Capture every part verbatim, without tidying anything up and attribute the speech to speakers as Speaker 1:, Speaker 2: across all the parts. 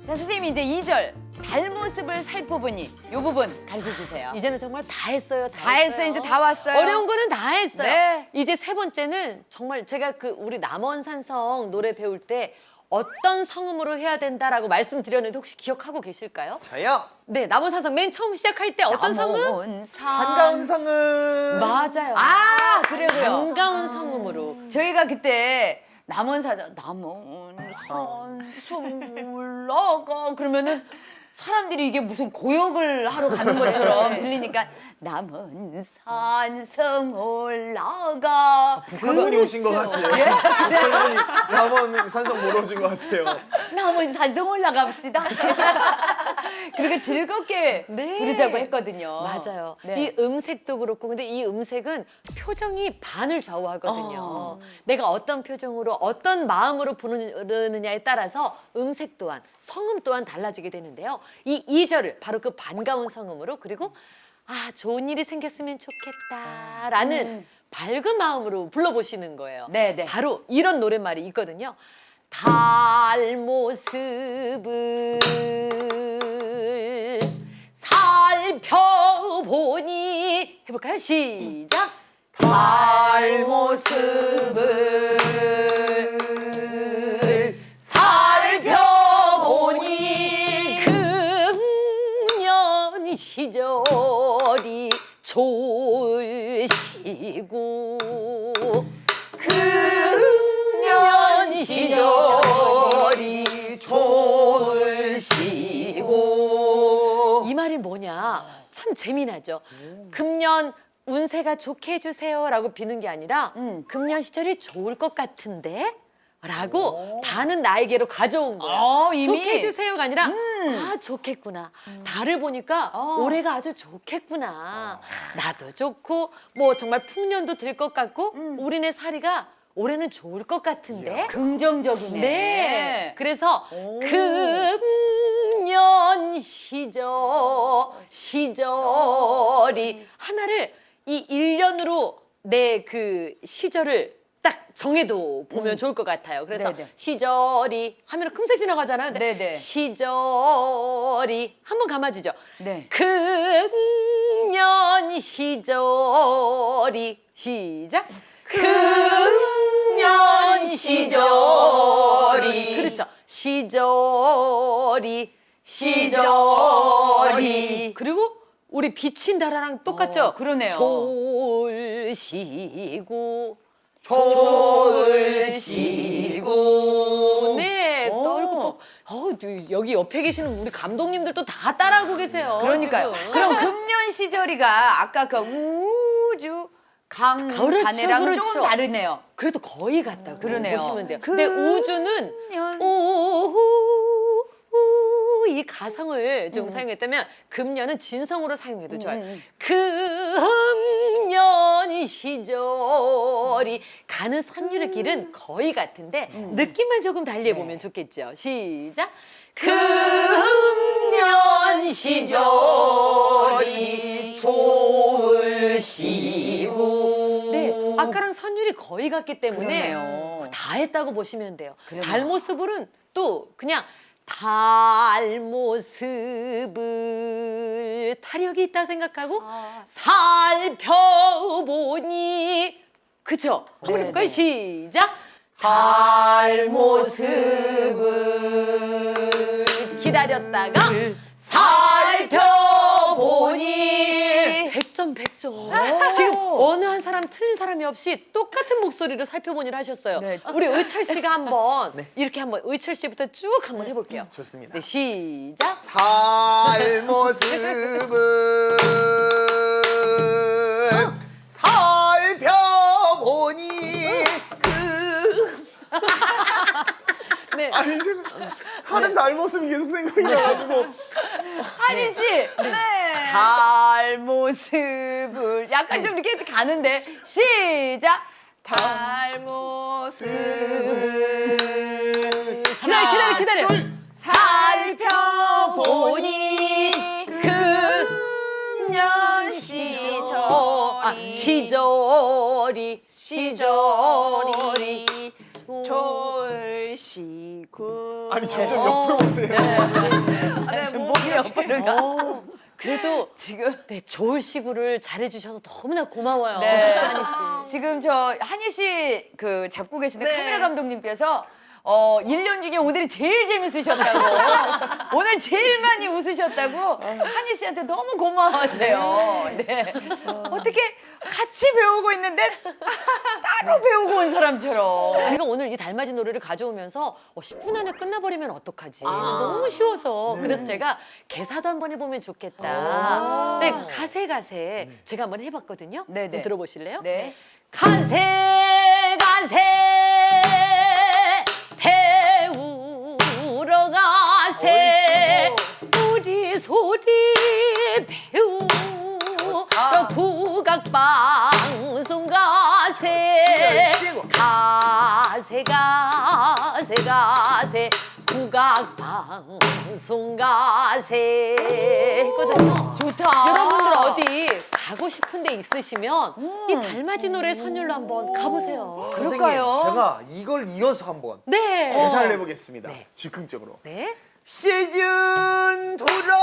Speaker 1: 자, 선생님이 이제 이 절 달모습을 살펴보니 이 부분 가르쳐 주세요.
Speaker 2: 이제는 정말 다 했어요. 다,
Speaker 1: 다 했어요. 이제 다 왔어요.
Speaker 2: 어려운 거는 다 했어요.
Speaker 1: 네.
Speaker 2: 이제 세 번째는 정말 제가 그 우리 남원산성 노래 배울 때 어떤 성음으로 해야 된다라고 말씀드렸는데 혹시 기억하고 계실까요?
Speaker 3: 저요.
Speaker 2: 네, 남원산성 맨 처음 시작할 때 어떤 성음?
Speaker 1: 남원산.
Speaker 3: 반가운 성은
Speaker 2: 맞아요.
Speaker 1: 아, 그래요.
Speaker 2: 반가운 성음으로.
Speaker 1: 저희가 그때 남원사자 남원산 숨올라가 그러면은 사람들이 이게 무슨 고역을 하러 가는 것처럼 들리니까 남원산 섬 올라가
Speaker 3: 북한분이 오신 것 같아요. 북한분이 남원 산성 보러 오신 것 같아요.
Speaker 1: 남원산 섬 올라갑시다. 그렇게 즐겁게
Speaker 2: 네.
Speaker 1: 부르자고 했거든요.
Speaker 2: 맞아요.
Speaker 1: 네.
Speaker 2: 이 음색도 그렇고 근데 이 음색은 표정이 반을 좌우하거든요.
Speaker 1: 어.
Speaker 2: 내가 어떤 표정으로 어떤 마음으로 부르느냐에 따라서 음색 또한 성음 또한 달라지게 되는데요. 이 이 절을 바로 그 반가운 성음으로 그리고 아 좋은 일이 생겼으면 좋겠다라는
Speaker 1: 음.
Speaker 2: 밝은 마음으로 불러보시는 거예요.
Speaker 1: 네, 네.
Speaker 2: 바로 이런 노랫말이 있거든요. 달 모습을 살펴보니 해볼까요? 시작.
Speaker 1: 달 모습을 살펴보니
Speaker 2: 금년 시절이 좋으시고
Speaker 1: 금년 시절이 좋으시고
Speaker 2: 이 말이 뭐냐? 참 재미나죠. 금년 운세가 좋게 해주세요라고 비는 게 아니라
Speaker 1: 음.
Speaker 2: 금년 시절이 좋을 것 같은데? 라고 반은 나에게로 가져온 거야.
Speaker 1: 어, 이미?
Speaker 2: 좋게 해주세요가 아니라
Speaker 1: 음.
Speaker 2: 아 좋겠구나. 달을 보니까
Speaker 1: 어.
Speaker 2: 올해가 아주 좋겠구나. 나도 좋고 뭐 정말 풍년도 들 것 같고
Speaker 1: 음.
Speaker 2: 우리네 살이가 올해는 좋을 것 같은데.
Speaker 1: 긍정적이네.
Speaker 2: 네. 그래서
Speaker 1: 오.
Speaker 2: 금년 시절 시절이 하나를 이 일 년으로 내 그 시절을 딱 정해도 보면
Speaker 1: 음.
Speaker 2: 좋을 것 같아요. 그래서
Speaker 1: 네네.
Speaker 2: 시절이 하면 금세 지나가잖아요. 근데
Speaker 1: 네네.
Speaker 2: 시절이 한번 감아주죠.
Speaker 1: 네.
Speaker 2: 금년 시절이 시작.
Speaker 1: 금년 시절이
Speaker 2: 그렇죠. 시절이
Speaker 1: 시절이
Speaker 2: 그리고 우리 비친 달아랑 똑같죠?
Speaker 1: 어, 그러네요.
Speaker 2: 졸시고
Speaker 1: 졸시고
Speaker 2: 네,
Speaker 1: 오.
Speaker 2: 떨고 꼭 어, 여기 옆에 계시는 우리 감독님들도 다 따라하고 계세요.
Speaker 1: 그러니까요.
Speaker 2: 지금.
Speaker 1: 그럼 금년 시절이가 아까 그 우주 강산해랑은
Speaker 2: 그렇죠,
Speaker 1: 조금
Speaker 2: 그렇죠.
Speaker 1: 다르네요.
Speaker 2: 그래도 거의 같다고
Speaker 1: 그러네요.
Speaker 2: 보시면 돼요.
Speaker 1: 금-
Speaker 2: 근데 우주는
Speaker 1: 년.
Speaker 2: 오후 이 가성을 좀 사용했다면 금년은 진성으로 사용해도 좋아요.
Speaker 1: 음, 음.
Speaker 2: 금년 시절이 가는 선율의 길은 거의 같은데 느낌만 조금 달리해 보면 좋겠죠. 시작.
Speaker 1: 금년 시절이 좋으시고
Speaker 2: 네, 아까랑 선율이 거의 같기 때문에
Speaker 1: 그러네요.
Speaker 2: 다 했다고 보시면 돼요.
Speaker 1: 그러네요.
Speaker 2: 달 모습을은 또 그냥 달 모습을 타력이 있다 생각하고
Speaker 1: 아.
Speaker 2: 살펴보니 그쵸? 한번
Speaker 1: 네,
Speaker 2: 해볼까요?
Speaker 1: 네.
Speaker 2: 시작.
Speaker 1: 달 모습을
Speaker 2: 기다렸다가
Speaker 1: 살펴보니
Speaker 2: 백 점 백 점. 지금 어느 한 사람 틀린 사람이 없이 똑같은 목소리로 살펴보니를 하셨어요.
Speaker 1: 네.
Speaker 2: 우리 의철 씨가 한번 이렇게 한번 의철 씨부터 쭉 한번 해볼게요.
Speaker 3: 좋습니다.
Speaker 2: 네, 시작.
Speaker 3: 달 모습을 살펴보니
Speaker 2: 네.
Speaker 3: 아니 제가 하는 달 모습이 계속 생각이 나가지고
Speaker 1: 하린 씨, 달 모습을 약간 좀 이렇게 가는데 시작. 달 모습을
Speaker 2: 기다려, 기다려, 기다려.
Speaker 1: 살펴보니
Speaker 2: 금년 시절 아, 시절이 시절이
Speaker 1: 좋으시고
Speaker 3: 아니 점점 옆으로 오세요.
Speaker 2: 어, 그래도
Speaker 1: 지금
Speaker 2: 네, 좋을 시구를 잘해주셔서 너무나 고마워요.
Speaker 1: 네.
Speaker 2: 한희 씨.
Speaker 1: 지금 저 한희 씨 그 잡고 계시는
Speaker 4: 네.
Speaker 1: 카메라 감독님께서 어, 일 년 중에 오늘이 제일 재밌으셨다고. 오늘 제일 많이 웃으셨다고 한희 씨한테 너무 고마워하세요. 네. 어떻게 같이 배우고 있는데 따로 배우고 온 사람처럼.
Speaker 2: 제가 오늘 이 달맞이 노래를 가져오면서 어, 십 분 안에 끝나버리면 어떡하지? 너무 쉬워서. 그래서 제가 개사도 한번 해보면 좋겠다. 네, 가세 가세 제가 한번 해봤거든요.
Speaker 1: 네네.
Speaker 2: 한번 들어보실래요?
Speaker 1: 네.
Speaker 2: 가세 가세 배우러 가세 우리 소리 배우러 국악방송 가세 가세 가세 가세 국악방송 가세 했거든요.
Speaker 1: 좋다.
Speaker 2: 여러분들 어디 가고 싶은 데 있으시면 이 달맞이 노래 선율로 한번 가보세요.
Speaker 1: 그럴까요?
Speaker 3: 선생님, 제가 이걸 이어서 한번
Speaker 2: 네.
Speaker 3: 계산을 해보겠습니다.
Speaker 2: 네.
Speaker 3: 즉흥적으로.
Speaker 2: 네.
Speaker 3: 시즌 투를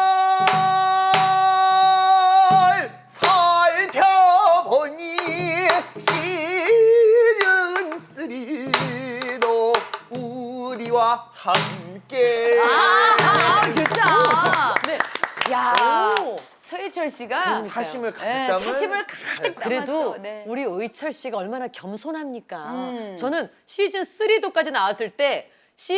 Speaker 3: 살펴보니 시즌 쓰리도 우리와 함께.
Speaker 1: 아, 좋다.
Speaker 2: 네.
Speaker 1: 야,
Speaker 2: 오.
Speaker 1: 서예철 씨가
Speaker 3: 사심을 가득
Speaker 1: 네,
Speaker 3: 담은
Speaker 1: 사심을 가득
Speaker 2: 그래도
Speaker 1: 담았어. 네.
Speaker 2: 우리 의철 씨가 얼마나 겸손합니까?
Speaker 1: 음.
Speaker 2: 저는 시즌 쓰리도까지 나왔을 때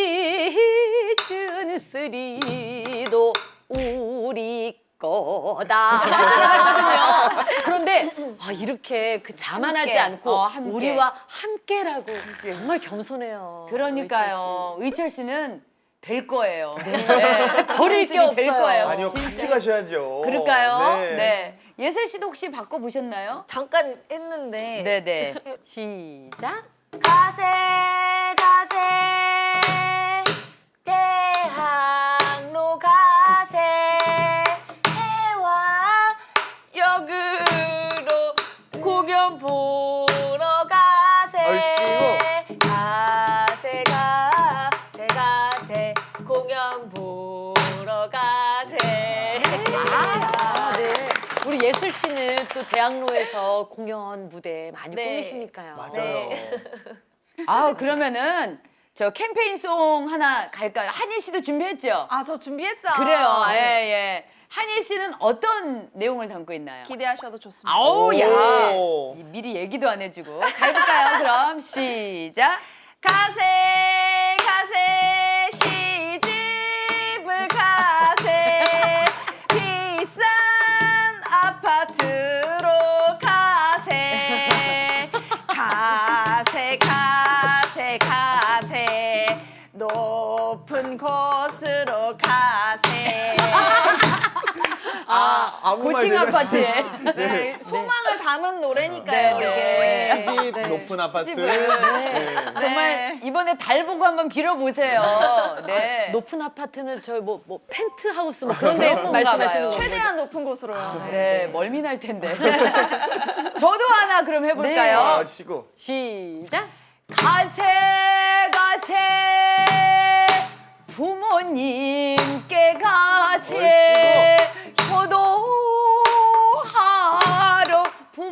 Speaker 2: 시즌 쓰리도 우리 거다 하거든요. 그런데 아, 이렇게 그 자만하지
Speaker 1: 함께.
Speaker 2: 않고
Speaker 1: 어, 함께.
Speaker 2: 우리와 함께라고 정말 겸손해요.
Speaker 1: 그러니까요. 의철 씨는 될 거예요. 네.
Speaker 2: 버릴 게
Speaker 1: 선생님이 될
Speaker 2: 없어요.
Speaker 1: 거예요.
Speaker 3: 아니요,
Speaker 1: 진짜.
Speaker 3: 같이 가셔야죠.
Speaker 1: 그럴까요?
Speaker 3: 네.
Speaker 1: 네. 예슬 씨도 혹시 바꿔보셨나요?
Speaker 4: 잠깐 했는데
Speaker 1: 네네.
Speaker 2: 시작.
Speaker 4: 가세 가세 대학로 가세 해와 역으로 공연 보러 가세
Speaker 3: 아이씨고.
Speaker 4: 가세 가세 가세 공연 보러 가세
Speaker 2: 아, 네. 우리 예슬 씨는 또 대학로에서 공연 무대 많이
Speaker 4: 네.
Speaker 2: 꾸미시니까요.
Speaker 3: 맞아요.
Speaker 1: 아, 그러면은 저 캠페인송 하나 갈까요? 한희 씨도 준비했죠?
Speaker 4: 아 저 준비했죠.
Speaker 1: 그래요. 예, 예. 한희 씨는 어떤 내용을 담고 있나요?
Speaker 4: 기대하셔도 좋습니다.
Speaker 1: 아우, 야.
Speaker 3: 오.
Speaker 1: 이 미리 얘기도 안 해주고. 가볼까요? 그럼 시작.
Speaker 4: 가세 가세 시집을 가세 비싼 아파트로 가세 가세 가세 가세 높은 곳으로 가세
Speaker 1: 아,
Speaker 3: 아무 말
Speaker 1: 고층
Speaker 3: 대잔치.
Speaker 1: 아파트에.
Speaker 4: 네, 소망을 담은 노래니까요.
Speaker 1: 네, 네.
Speaker 4: 이게.
Speaker 3: 시집 높은 아파트.
Speaker 1: 시집을.
Speaker 3: 네.
Speaker 1: 정말 이번에 달 보고 한번 빌어보세요. 네.
Speaker 2: 높은 아파트는 저 뭐 뭐 펜트하우스 뭐 그런 데
Speaker 1: 그런가
Speaker 2: 말씀하시는
Speaker 1: 봐요.
Speaker 2: 거죠?
Speaker 4: 최대한 높은 곳으로요.
Speaker 1: 네, 멀미 날 텐데. 저도 하나 그럼 해볼까요?
Speaker 3: 아, 시고.
Speaker 2: 시작.
Speaker 1: 가세 가세 부모님께 가세 효도하러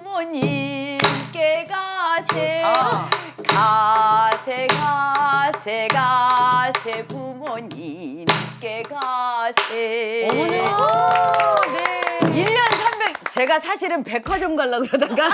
Speaker 1: 부모님께 가세
Speaker 3: 아.
Speaker 1: 가세 가세 가세 부모님께 가세
Speaker 2: 어머나. 네.
Speaker 1: 일 년 삼백 제가 사실은 백화점 가려고 그러다가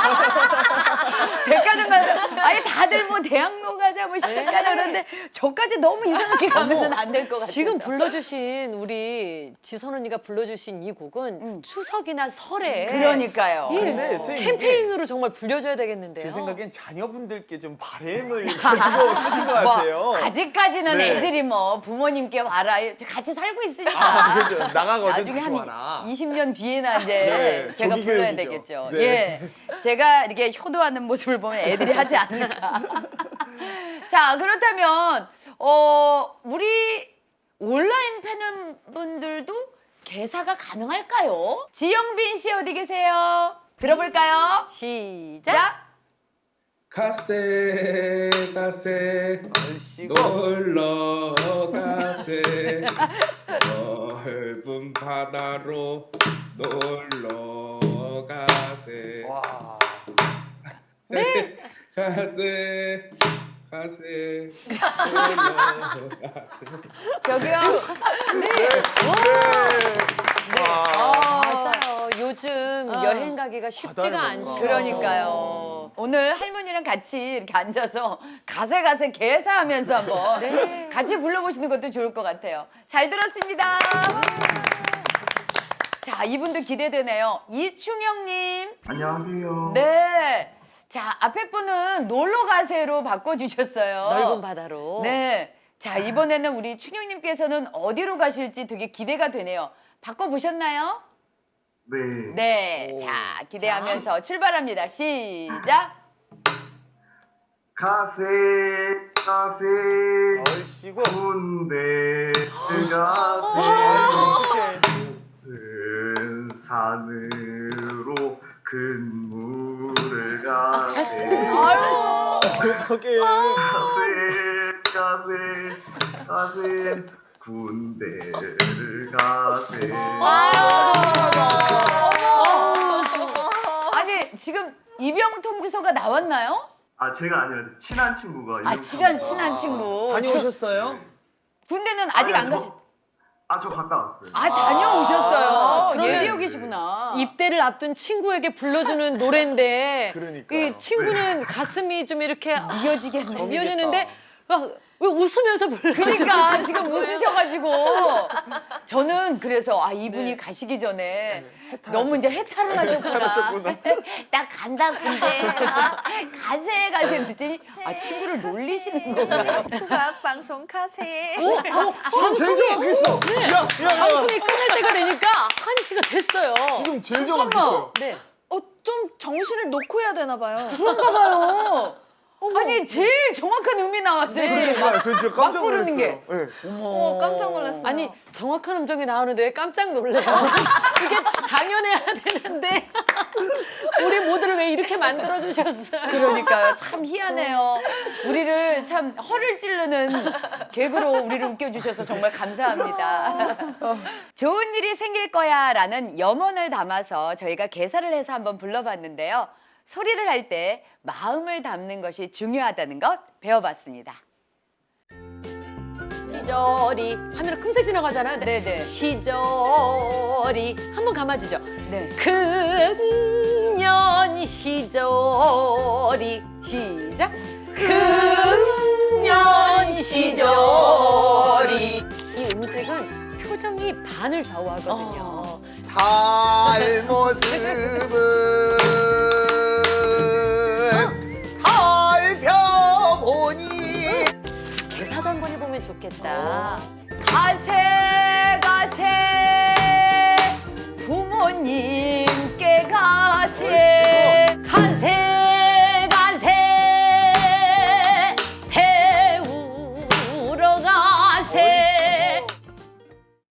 Speaker 1: 백화점 가려고 아예 다들 뭐 대학로 가자 뭐 시간 가자 그러는데 저까지 너무 이상하게 가면은 안 될 것 같아서
Speaker 2: 지금 불러주신 우리 지선 언니가 불러주신 이 곡은 추석이나 설에
Speaker 1: 그러니까요.
Speaker 2: 이
Speaker 3: 근데 선생님,
Speaker 2: 캠페인으로 정말 불려줘야 되겠는데요.
Speaker 3: 제 생각엔 자녀분들께 좀 바램을 가지고 쓰신 것
Speaker 1: 뭐
Speaker 3: 같아요.
Speaker 1: 아직까지는
Speaker 3: 네.
Speaker 1: 애들이 뭐 부모님께 와라 같이 살고 있으니까
Speaker 3: 아, 그렇죠. 나가거든.
Speaker 1: 나중에
Speaker 3: 다시
Speaker 1: 한
Speaker 3: 와라.
Speaker 1: 이십 년 뒤에나 이제
Speaker 3: 네,
Speaker 1: 제가
Speaker 3: 조기
Speaker 1: 불러야
Speaker 3: 교육이죠.
Speaker 1: 되겠죠.
Speaker 3: 네.
Speaker 1: 예, 제가 이렇게 효도하는 모습을 보면 애들이 하지 않을까. 자, 그렇다면 어 우리 온라인 팬분들도 개사가 가능할까요? 지영빈 씨 어디 계세요? 들어볼까요?
Speaker 2: 시작.
Speaker 1: 자,
Speaker 5: 가세 가세
Speaker 3: 얼씨구.
Speaker 5: 놀러 가세 어, 넓은 바다로 놀러 가세.
Speaker 3: 와.
Speaker 5: 네. 가세. 가세. 놀러 가세.
Speaker 1: 저기요.
Speaker 3: 와.
Speaker 2: 맞아요. 요즘 여행 가기가 쉽지가
Speaker 3: 바다를
Speaker 2: 않죠.
Speaker 3: 뭔가.
Speaker 1: 그러니까요. 오늘 할머니랑 같이 이렇게 앉아서 가세가세 개사하면서 한번 같이 불러보시는 것도 좋을 것 같아요. 잘 들었습니다. 자, 이분도 기대되네요. 이충영님.
Speaker 6: 안녕하세요.
Speaker 1: 네. 자, 앞에 분은 놀러 가세로 바꿔주셨어요.
Speaker 2: 넓은 바다로.
Speaker 1: 네. 자, 이번에는 우리 충영님께서는 어디로 가실지 되게 기대가 되네요. 바꿔보셨나요?
Speaker 6: 네.
Speaker 1: 네. 자, 기대하면서 출발합니다. 시작.
Speaker 6: 가세 가세
Speaker 3: 얼씨구.
Speaker 6: 군대 가세 큰 산으로 근무를 가세
Speaker 3: 어떡해.
Speaker 6: 가세 가세 가세 군대를 가세
Speaker 1: 아니, 지금 입영 통지서가 나왔나요?
Speaker 6: 아 제가 아니라 친한 친구가
Speaker 1: 아,
Speaker 6: 이름
Speaker 1: 시간
Speaker 6: 써서.
Speaker 1: 친한 친구.
Speaker 3: 다녀오셨어요?
Speaker 1: 군대는 아직 안
Speaker 6: 아니요,
Speaker 1: 가셨.
Speaker 6: 저- 아, 저 갔다 왔어요.
Speaker 1: 아, 다녀오셨어요.
Speaker 2: 그러면-
Speaker 1: 예비역 계시구나.
Speaker 2: 입대를 앞둔 친구에게 불러주는 노래인데
Speaker 3: 그러니까요.
Speaker 2: 이 친구는 가슴이 좀 이렇게
Speaker 1: 이어지겠네.
Speaker 2: 미어지는데 막 왜 웃으면서 불러주는
Speaker 1: 그러니까 지금 웃으셔가지고 저는 그래서 아 이분이 가시기 전에 너무 이제 해탈을 하셨구나.
Speaker 3: 하셨구나.
Speaker 1: 나 간다 군대. 아, 가세 가세 그랬더니 아 친구를 놀리시는 거예요.
Speaker 4: 국악 방송 가세.
Speaker 3: 지금 제일 정확했어. 야, 야, 야.
Speaker 2: 방송이 끝날 때가 되니까 한희 씨가 됐어요.
Speaker 3: 지금 제일 정확했어요.
Speaker 2: 네.
Speaker 4: 어, 좀 정신을 놓고 해야 되나 봐요.
Speaker 1: 그런가 봐요. 아니 제일 정확한 음이 나왔어요. 지금
Speaker 3: 그러니까요. 저 진짜 깜짝
Speaker 1: 막 부르는
Speaker 3: 놀랐어요.
Speaker 1: 게.
Speaker 3: 네.
Speaker 4: 어, 깜짝 놀랐어요.
Speaker 2: 아니 정확한 음정이 나오는데 왜 깜짝 놀래요? 이게 당연해야 되는데 우리 모두를 왜 이렇게 만들어 주셨어요?
Speaker 1: 그러니까요. 참 희한해요. 우리를 참 허를 찌르는 개그로 우리를 웃겨주셔서 정말 감사합니다. 좋은 일이 생길 거야 라는 염원을 담아서 저희가 개사를 해서 한번 불러봤는데요. 소리를 할 때 마음을 담는 것이 중요하다는 것 배워봤습니다.
Speaker 2: 시절이 하면 금세 지나가잖아요.
Speaker 1: 네네.
Speaker 2: 시절이 한번 감아주죠.
Speaker 1: 네.
Speaker 2: 금년 시절이 시작. 금년 시절이 이 음색은 표정이 반을 좌우하거든요.
Speaker 3: 달 모습은